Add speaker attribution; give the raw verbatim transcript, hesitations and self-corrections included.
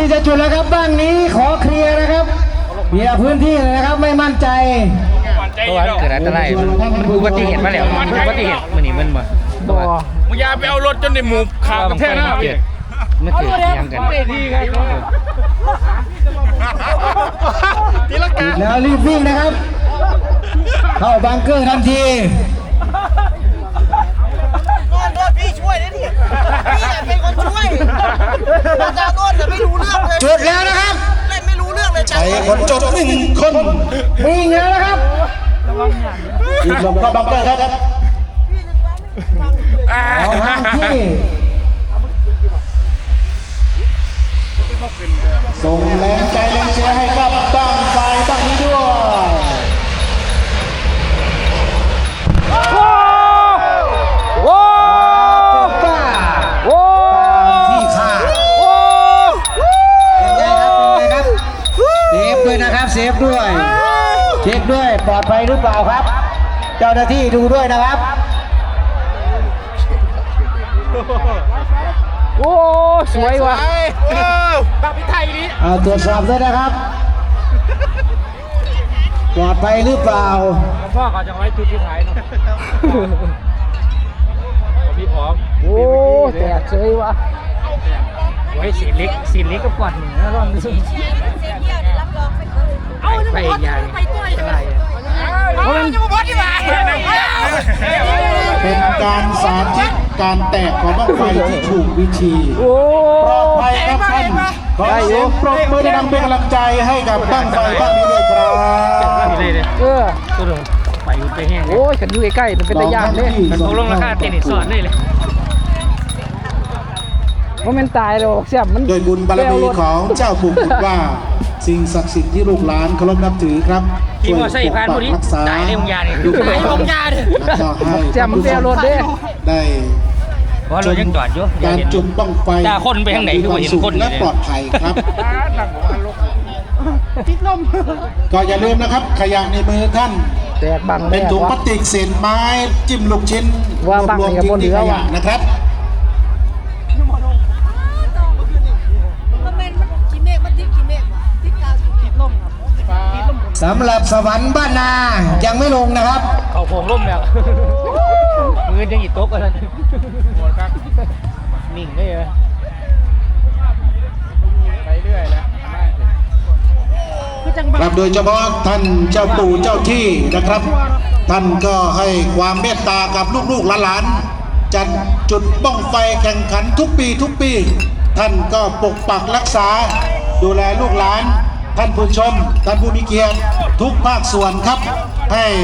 Speaker 1: ที่จะจุดแล้วครับบ้างนี้ขอเคลียร์นะครับเคลียร์พื้นที่เลยนะครับไม่มั่นใจ
Speaker 2: เพราะว่าเกิดอันตรายอุบัติเหตุมาแล้วอุบัติเหตุมันนี่มันบ่ตัวมึงอย่าไปเอารถจนในหมู่ขากระแทกหน้าเกิดไม่เกิดยังกัน
Speaker 1: แล้วรีบวิ่งนะครับเข้าบังเกอร์ทันที
Speaker 3: พี่ช่วยนะดิพี่เป็นคนช่วยอาจารย์ต้นแต่ไม่รู้เรื่องเลย
Speaker 1: จุดแล้วนะครับ
Speaker 3: เล่นไม่รู้เรื่องเลย
Speaker 1: ใช้คนจุดหนึ่งคนวิ่งแล้วนะครับอีกลงเข้าบังเกอร์ครับเอาทางที่ส่งแรงใจแรงเชียร์ให้กับตั้งไฟตั้งนี้ด้วย
Speaker 2: โอ้โอ้
Speaker 1: ป้า
Speaker 2: โอ้
Speaker 1: ที่ขา
Speaker 2: โอ้
Speaker 1: เป็นไงครับเป็นไงครับเซฟด้วยนะครับเซฟด้วยเช็คด้วยปลอดภัยหรือเปล่าครับเจ้าหน้าที่ดูด้วยนะครับ
Speaker 2: โอ้สวยว่ะแบบพิไทยนี้
Speaker 1: เอาตรวจสอบด้วยนะครับปลอดภัยหรือเปล่า
Speaker 2: พ่อเขาจะไว้จุดที่ท้ายเนาะพี่พร้อมโอ้แตกเฉยว่ะไว้สีเล็กสีเล็กก็กวาดหนึ่งนะรอบนี้ไปอีกอย่างอะไร
Speaker 1: เป็นการสาธิตการแตกของบั้งไฟที่ถูกวิธีปลอดภัยครับท่านขอเสียงปรบมือดังเป็นกำลังใจให้กับบั้งไฟบ้างนี้เลยครับ
Speaker 2: เออตัวหนึ่งไปไปแห้งโอ้ยกันอยู่ใกล้ๆมันเป็นระยะเลยมันลงราคาเทนนิสสอนเลยเลยว่ามันตายเลยเสียบมัน
Speaker 1: โดยบุญบารมีของเจ้าปู่กุฎว่าสิ่งศักดิ์สิทธิ์ที่ลูกหลานเคารพนับถือครับ
Speaker 2: ที่ว่าใส่พานพวกนี้ตายในวงยาเนี่ยตายในวงยาเนี่ยเสียบมันเสียรถเด้
Speaker 1: ได้
Speaker 2: เพราะเรายังจอดอยู่
Speaker 1: การจุดบ้างไฟ
Speaker 2: ตาคนไปทางไหนคือเห็นคน
Speaker 1: และปลอดภัยครับก็อย่าลืมนะครับขยะในมือท่านเป็นถุงพลาสติกเศษไม้จิ้มลูกชิ้นรวมทิ้งที่ขยะนะครับสำหรับสวรรค์บ้านนายังไม่ลงนะครับ
Speaker 2: เขาโค้งร่มแล้วมือยังอีกโต๊ะกันนิ่งได้เลยไปเรื่อยแล้ว
Speaker 1: ครับโดยเฉพาะท่านเจ้าปู่เจ้าที่นะครับท่านก็ให้ความเมตตากับลูกๆหลานๆจัดจุดบ้องไฟแข่งขันทุกปีทุกปีท่านก็ปกปักรักษาดูแลลูกหลานท่านผู้ชมท่านผู้มีเกียรติทุกภาคส่วนครับให้